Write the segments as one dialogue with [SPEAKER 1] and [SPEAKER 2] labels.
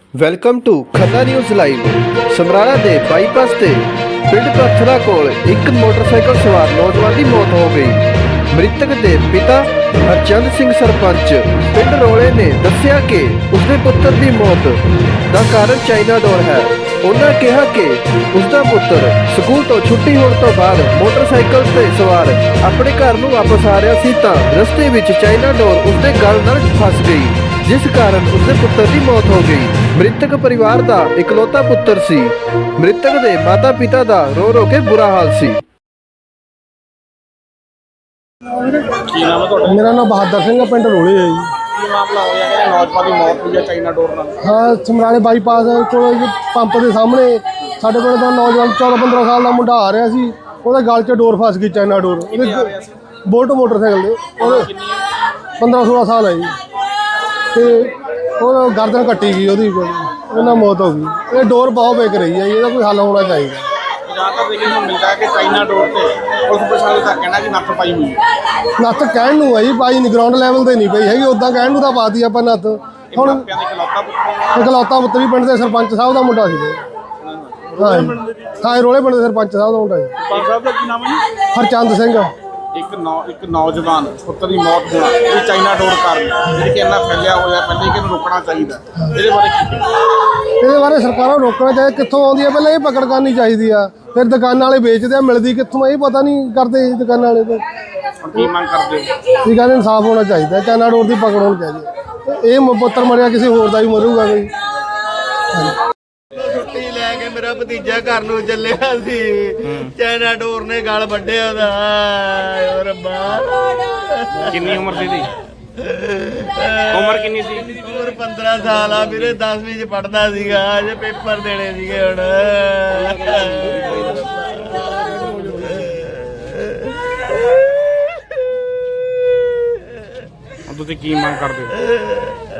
[SPEAKER 1] Welcome to Khanna news live. Samrala ਦੇ bypass ਤੇ ਪਿੰਡ ਪੱਥਰਾ ਕੋਲ ਇੱਕ ਮੋਟਰਸਾਈਕਲ ਸਵਾਰ ਨੌਜਵਾਨ ਦੀ ਮੌਤ ਹੋ ਗਈ। ਮ੍ਰਿਤਕ ਦੇ ਪਿਤਾ ਹਰਚੰਦ ਸਿੰਘ ਸਰਪੰਚ ਪਿੰਡ ਰੋਲੇ ਨੇ ਦੱਸਿਆ ਕਿ ਉਸਦੇ ਪੁੱਤਰ ਦੀ ਮੌਤ ਦਾ ਕਾਰਨ ਚਾਈਨਾ ਡੋਰ ਹੈ। ਉਹਨਾਂ ਕਿਹਾ ਕਿ ਉਸਦਾ ਪੁੱਤਰ ਸਕੂਲ ਤੋਂ ਛੁੱਟੀ ਹੋਣ ਤੋਂ ਬਾਅਦ ਮੋਟਰਸਾਈਕਲ ਤੇ ਸਵਾਰ ਆਪਣੇ ਘਰ ਨੂੰ ਵਾਪਸ ਆ ਰਿਹਾ ਸੀ ਤਾਂ ਰਸਤੇ ਵਿੱਚ ਚਾਈਨਾ ਡੋਰ ਉਸਦੇ ਗਲ ਨਾਲ ਫਸ ਗਈ, ਜਿਸ ਕਾਰਨ ਉਸਦੇ ਪੁੱਤਰ ਦੀ ਮੌਤ ਹੋ ਗਈ। ਮ੍ਰਿਤਕ ਪਰਿਵਾਰ ਦਾ ਇਕਲੌਤਾ ਪੁੱਤਰ ਸੀ। ਮ੍ਰਿਤਕ ਦੇ ਮਾਤਾ ਪਿਤਾ ਦਾ ਰੋ ਰੋ ਕੇ ਬੁਰਾ ਹਾਲ ਸੀ।
[SPEAKER 2] मेरा नाम बहादुर सिंह है, पिंड रोले है जी।
[SPEAKER 3] नौजवान की मौत हुई है चाइना डोर नाल।
[SPEAKER 2] हाँ, समराले बाईपास को पंप के सामने साढ़े पिंड का नौजवान 14-15 साल का मुंडा आ रहा सी, ਉਹਦੇ गल च डोर फस गई चाइना डोर। बोल्ट मोटरसाइकिल दे 15-16 साल है जी, तो गर्दन कट्टी गई, ਉਹਦੀ मौत हो गई। ये डोर बहुत बेक रही है, ਇਹਦਾ कोई हल होना चाहिए।
[SPEAKER 3] जहाँ तक देखने को मिलता है कि चाइना डोर से पुलिस प्रशासन का कहना कि नत्थ पाई हुई है।
[SPEAKER 2] नत्थ कहण नूं है जी, पाई नहीं, ग्राउंड लैवल ते नहीं पई हैगी, उदां कहण नूं तां पाती आपां नत्थ। ਹੁਣ ਇਕਲੌਤਾ ਪੁੱਤ ਵੀ ਪਿੰਡ ਦੇ ਸਰਪੰਚ ਸਾਹਿਬ ਦਾ ਮੁੰਡਾ ਸੀ। ਹਾਂ, ਰੋਲੇ ਪਿੰਡ ਦੇ ਸਰਪੰਚ ਸਾਹਿਬ ਦਾ ਮੁੰਡਾ ਸੀ।
[SPEAKER 3] ਸਰਪੰਚ ਸਾਹਿਬ ਦਾ ਕੀ ਨਾਮ ਹੈ ਜੀ?
[SPEAKER 2] ਹਰਚੰਦ ਸਿੰਘ।
[SPEAKER 3] ਇੱਕ ਨੌਜਵਾਨ ਪੁੱਤਰ ਦੀ ਮੌਤ ਹੋਣਾ ਇਹ ਚਾਈਨਾ ਡੋਰ ਕਾਰਨ, ਜਿਹੜੀ ਕਿ ਇੰਨਾ ਫੈਲਿਆ ਹੋਇਆ, ਪਹਿਲੇ ਕਿ ਇਹਨੂੰ ਰੋਕਣਾ ਚਾਹੀਦਾ। ਇਹਦੇ ਬਾਰੇ ਕੀ?
[SPEAKER 2] ਇਹਦੇ ਬਾਰੇ ਸਰਕਾਰਾਂ ਨੂੰ ਰੋਕਣਾ ਚਾਹੀਦਾ। ਕਿੱਥੋਂ ਆਉਂਦੀ ਹੈ ਪਹਿਲਾਂ ਇਹ ਪਕੜ ਕਰਨੀ ਚਾਹੀਦੀ ਆ, ਫਿਰ ਦੁਕਾਨਾਂ ਵਾਲੇ ਵੇਚਦੇ ਆ, ਮਿਲਦੀ ਕਿੱਥੋਂ ਇਹ ਪਤਾ ਨਹੀਂ ਕਰਦੇ ਦੁਕਾਨਾਂ ਵਾਲੇ। ਤਾਂ
[SPEAKER 3] ਕੀ ਮੰਗ ਕਰਦੇ ਹੋ?
[SPEAKER 2] ਇਹ ਕਹਿੰਦੇ ਇਨਸਾਫ ਹੋਣਾ ਚਾਹੀਦਾ, ਚਾਈਨਾ ਡੋਰ ਦੀ ਪਕੜ ਹੋਣੀ ਚਾਹੀਦੀ। ਇਹ ਪੁੱਤਰ ਮਰਿਆ, ਕਿਸੇ ਹੋਰ ਦਾ ਵੀ ਮਰੂਗਾ ਕੋਈ।
[SPEAKER 4] ਛੁੱਟੀ ਲੈ ਕੇ ਮੇਰਾ ਭਤੀਜਾ ਘਰ ਨੂੰ ਚੱਲਿਆ ਸੀ, ਚਾਈਨਾ ਡੋਰ ਨੇ ਗਲ ਵੱਢਿਆ ਉਹਦਾ। ਓ ਰੱਬਾ,
[SPEAKER 3] ਕਿੰਨੀ ਉਮਰ ਸੀ ਇਹਦੀ? ਉਮਰ ਕਿੰਨੀ ਸੀ?
[SPEAKER 4] ਉਮਰ 15 ਸਾਲ ਆ ਵੀਰੇ, 10ਵੀਂ ਚ ਪੜਦਾ ਸੀਗਾ, ਅਜੇ ਪੇਪਰ ਦੇਣੇ ਸੀਗੇ ਹੁਣ।
[SPEAKER 3] ਤੁਸੀਂ ਕੀ ਮੰਗ ਕਰਦੇ ਹੋ?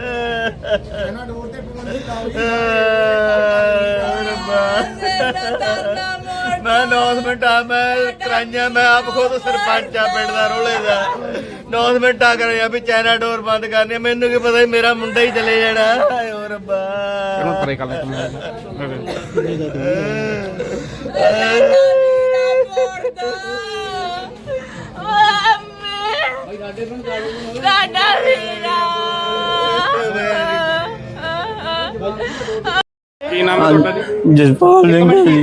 [SPEAKER 4] ਮੈਂ ਅਨਾਉਂਸਮੈਂਟ ਮੈਂ ਕਰਾਈਆਂ, ਮੈਂ ਆਪ ਖੁਦ ਸਰਪੰਚ ਆ ਪਿੰਡ ਦਾ ਰੋਲੇ ਦਾ। ਅਨਾਉਂਸਮੈਂਟਾਂ ਕਰਾਈਆਂ ਵੀ ਚਾਈਨਾ ਡੋਰ ਬੰਦ ਕਰਨੀ। ਮੈਨੂੰ ਕੀ ਪਤਾ ਮੇਰਾ ਮੁੰਡਾ ਹੀ ਚਲੇ ਜਾਣਾ। ਓ ਰੱਬਾ,
[SPEAKER 3] ਪਰੇ ਕਰ ਲੈ ਕੀ ਨਾਮ ਹੈ ਤੁਹਾਡਾ ਜੀ?
[SPEAKER 5] ਜਸਪਾਲ ਸਿੰਘ ਜੀ।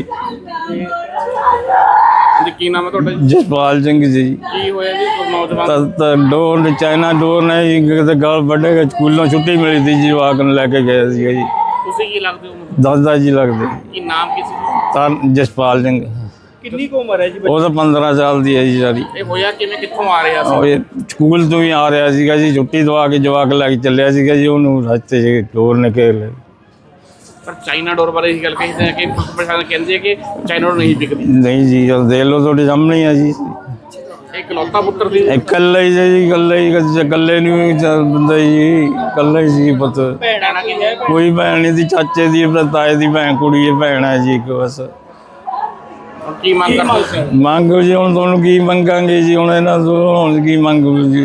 [SPEAKER 3] ਕੀ ਨਾਮ ਹੈ ਤੁਹਾਡਾ ਜੀ?
[SPEAKER 5] ਜਸਪਾਲ ਸਿੰਘ ਜੀ।
[SPEAKER 3] ਕੀ ਹੋਇਆ ਜੀ ਨੌਜਵਾਨ?
[SPEAKER 5] ਤਾਂ ਡੋਰ ਚਾਈਨਾ ਡੋਰ ਨੇ ਜੀ ਕਿਤੇ ਗਲ ਵੱਢੇ, ਸਕੂਲੋਂ ਛੁੱਟੀ ਮਿਲੀ ਸੀ ਜੀ, ਜਵਾਕ ਨੂੰ ਲੈ ਕੇ ਗਏ ਸੀਗਾ ਜੀ।
[SPEAKER 3] ਤੁਸੀਂ ਕੀ ਲੱਗਦੇ ਹੋ?
[SPEAKER 5] ਦਾਦਾ ਜੀ ਲੱਗਦੇ।
[SPEAKER 3] ਕੀ ਨਾਮ ਕੀ ਸੀ?
[SPEAKER 5] ਤਾਂ ਜਸਪਾਲ ਸਿੰਘ।
[SPEAKER 3] ਕਿੰਨੀ ਕੁ ਉਮਰ ਹੈ ਜੀ?
[SPEAKER 5] ਉਹ ਤਾਂ 15 ਸਾਲ ਦੀ ਹੈ ਜੀ ਸਾਰੀ।
[SPEAKER 3] ਇਹ ਹੋਇਆ ਕਿਵੇਂ, ਕਿੱਥੋਂ ਆ ਰਿਹਾ
[SPEAKER 5] ਉਹ
[SPEAKER 3] ਸੀ?
[SPEAKER 5] ਇਹ ਸਕੂਲ ਤੋਂ ਹੀ ਆ ਰਿਹਾ ਸੀਗਾ ਜੀ, ਛੁੱਟੀ ਦਵਾ ਕੇ ਜਵਾਕ ਲੈ ਕੇ ਚੱਲਿਆ ਸੀਗਾ ਜੀ, ਉਹਨੂੰ ਰਸਤੇ 'ਚ ਡੋਰ ਨੇ ਘੇਰ ਲਿਆ।
[SPEAKER 3] ਪਰ ਚਾਈਨਾ ਡੋਰ ਬਾਰੇ ਇਹ ਗੱਲ ਕਹਿੰਦੇ ਆ ਕਿ ਪ੍ਰਸ਼ਾਸਨ ਕਹਿੰਦੇ ਆ ਕਿ ਚਾਈਨਾ ਡੋਰ ਨਹੀਂ ਵਿਕਦੀ।
[SPEAKER 5] ਨਹੀਂ ਜੀ, ਦੇਖ ਲਓ ਤੁਹਾਡੇ ਸਾਹਮਣੇ ਆ ਜੀ।
[SPEAKER 3] ਇਹ ਇਕਲੌਤਾ ਪੁੱਤਰ ਸੀ?
[SPEAKER 5] ਇਕੱਲਾ ਹੀ ਜੀ, ਇਕੱਲੇ ਨੂੰ ਬੰਦਾ ਜੀ, ਇਕੱਲਾ ਹੀ ਸੀ ਪੁੱਤ।
[SPEAKER 3] ਭੈਣਾਂ ਕਿੰਨੇ?
[SPEAKER 5] ਕੋਈ ਭੈਣ ਨਹੀਂ ਦੀ, ਚਾਚੇ ਦੀ, ਤਾਏ ਦੀ ਭੈਣ, ਕੁੜੀ ਹੈ, ਭੈਣ ਹੈ ਜੀ ਇੱਕ ਬਸ।
[SPEAKER 3] ਕੀ ਮੰਗ ਕਰਦੇ ਸੀ?
[SPEAKER 5] ਮੰਗ ਜੀ ਹੁਣ ਤੁਹਾਨੂੰ ਕੀ ਮੰਗਾਂਗੇ ਜੀ, ਹੁਣ ਇਹਨਾਂ ਤੋਂ ਹੁਣ ਕੀ ਮੰਗੂ ਜੀ।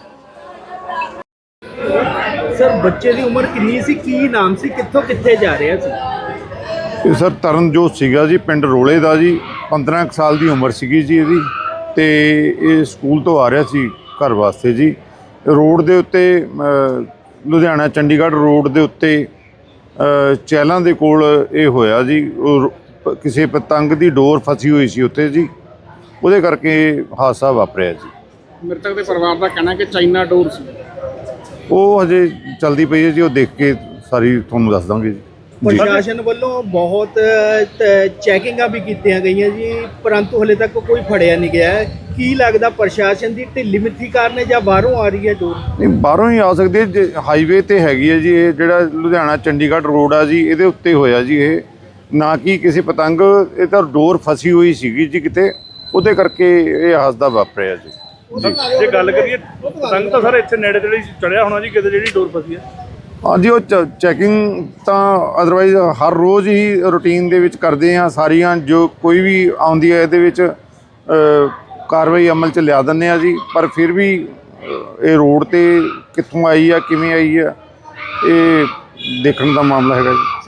[SPEAKER 4] ਸਰ ਬੱਚੇ ਦੀ ਉਮਰ ਕਿੰਨੀ ਸੀ, ਕੀ ਨਾਮ ਸੀ, ਕਿੱਥੋਂ ਕਿੱਥੇ ਜਾ ਰਿਹਾ ਸੀ?
[SPEAKER 6] ਇਹ ਸਰ ਤਰਨਜੋਤ ਸੀਗਾ ਜੀ, ਪਿੰਡ ਰੋਲੇ ਦਾ ਜੀ। 15 ਸਾਲ ਦੀ ਉਮਰ ਸੀਗੀ ਜੀ ਇਹਦੀ, ਤੇ ਇਹ ਸਕੂਲ ਤੋਂ ਆ ਰਿਹਾ ਸੀ ਘਰ ਵਾਸਤੇ ਜੀ। ਰੋਡ ਦੇ ਉੱਤੇ ਲੁਧਿਆਣਾ ਚੰਡੀਗੜ੍ਹ ਰੋਡ ਦੇ ਉੱਤੇ ਚਹਿਲਾਂ ਦੇ ਕੋਲ ਇਹ ਹੋਇਆ ਜੀ। ਕਿਸੇ ਪਤੰਗ ਦੀ ਡੋਰ ਫਸੀ ਹੋਈ ਸੀ ਉੱਥੇ ਜੀ, ਉਹਦੇ ਕਰਕੇ ਹਾਦਸਾ ਵਾਪਰਿਆ ਜੀ।
[SPEAKER 3] ਮ੍ਰਿਤਕ ਦੇ ਪਰਿਵਾਰ ਦਾ ਕਹਿਣਾ ਕਿ ਚਾਈਨਾ ਡੋਰ ਸੀ।
[SPEAKER 6] ਉਹ ਹਜੇ ਚਲਦੀ ਪਈ ਹੈ ਜੀ, ਉਹ ਦੇਖ ਕੇ ਸਾਰੀ ਤੁਹਾਨੂੰ ਦੱਸ ਦਾਂਗੇ ਜੀ।
[SPEAKER 4] ਪ੍ਰਸ਼ਾਸਨ ਵੱਲੋਂ ਬਹੁਤ ਚੈਕਿੰਗਾਂ ਵੀ ਕੀਤੀਆਂ ਗਈਆਂ ਜੀ, ਪਰੰਤੂ ਹਲੇ ਤੱਕ ਕੋਈ ਫੜਿਆ ਨਹੀਂ ਗਿਆ। ਕੀ ਲੱਗਦਾ ਪ੍ਰਸ਼ਾਸਨ ਦੀ ਢਿੱਲੀ ਮਿੱਠੀ ਕਾਰਨ ਹੈ ਜਾਂ ਬਾਹਰੋਂ ਆ ਰਹੀ ਹੈ ਡੋਰ?
[SPEAKER 6] ਨਹੀਂ, ਬਾਹਰੋਂ ਹੀ ਆ ਸਕਦੀ ਹੈ। ਹਾਈਵੇ ਤੇ ਹੈਗੀ ਹੈ ਜੀ, ਇਹ ਜਿਹੜਾ ਲੁਧਿਆਣਾ ਚੰਡੀਗੜ੍ਹ ਰੋਡ ਆ ਜੀ, ਇਹਦੇ ਉੱਤੇ ਹੋਇਆ ਜੀ ਇਹ, ਨਾ ਕਿ ਕਿਸੇ ਪਤੰਗ। ਇਹ ਤਾਂ ਡੋਰ ਫਸੀ ਹੋਈ ਸੀਗੀ ਜੀ ਕਿਤੇ, ਉਹਦੇ ਕਰਕੇ ਇਹ ਹਾਦਸਾ ਵਾਪਰਿਆ ਜੀ।
[SPEAKER 7] ਜੇ ਗੱਲ ਕਰੀਏ ਪਤੰਗ ਤਾਂ ਸਰ ਇੱਥੇ ਨੇੜੇ ਤੇੜੇ ਚੜਿਆ ਹੋਣਾ ਜੀ ਕਿਤੇ, ਜਿਹੜੀ ਡੋਰ ਫਸੀ ਹੈ?
[SPEAKER 6] ਹਾਂਜੀ, ਉਹ ਚੈਕਿੰਗ ਤਾਂ ਅਦਰਵਾਈਜ਼ ਹਰ ਰੋਜ਼ ਹੀ ਰੂਟੀਨ ਦੇ ਵਿੱਚ ਕਰਦੇ ਹਾਂ। ਸਾਰੀਆਂ ਜੋ ਕੋਈ ਵੀ ਆਉਂਦੀ ਹੈ ਇਹਦੇ ਵਿੱਚ ਕਾਰਵਾਈ ਅਮਲ 'ਚ ਲਿਆ ਦਿੰਦੇ ਆ ਜੀ। ਪਰ ਫਿਰ ਵੀ ਇਹ ਰੋਡ ਤੇ ਕਿੱਥੋਂ ਆਈ ਆ, ਕਿਵੇਂ ਆਈ ਆ, ਇਹ ਦੇਖਣ ਦਾ ਮਾਮਲਾ ਹੈਗਾ ਜੀ।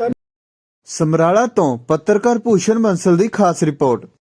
[SPEAKER 8] ਸਮਰਾਲਾ ਤੋਂ ਪੱਤਰਕਾਰ ਭੂਸ਼ਣ ਬੰਸਲ ਦੀ ਖਾਸ ਰਿਪੋਰਟ।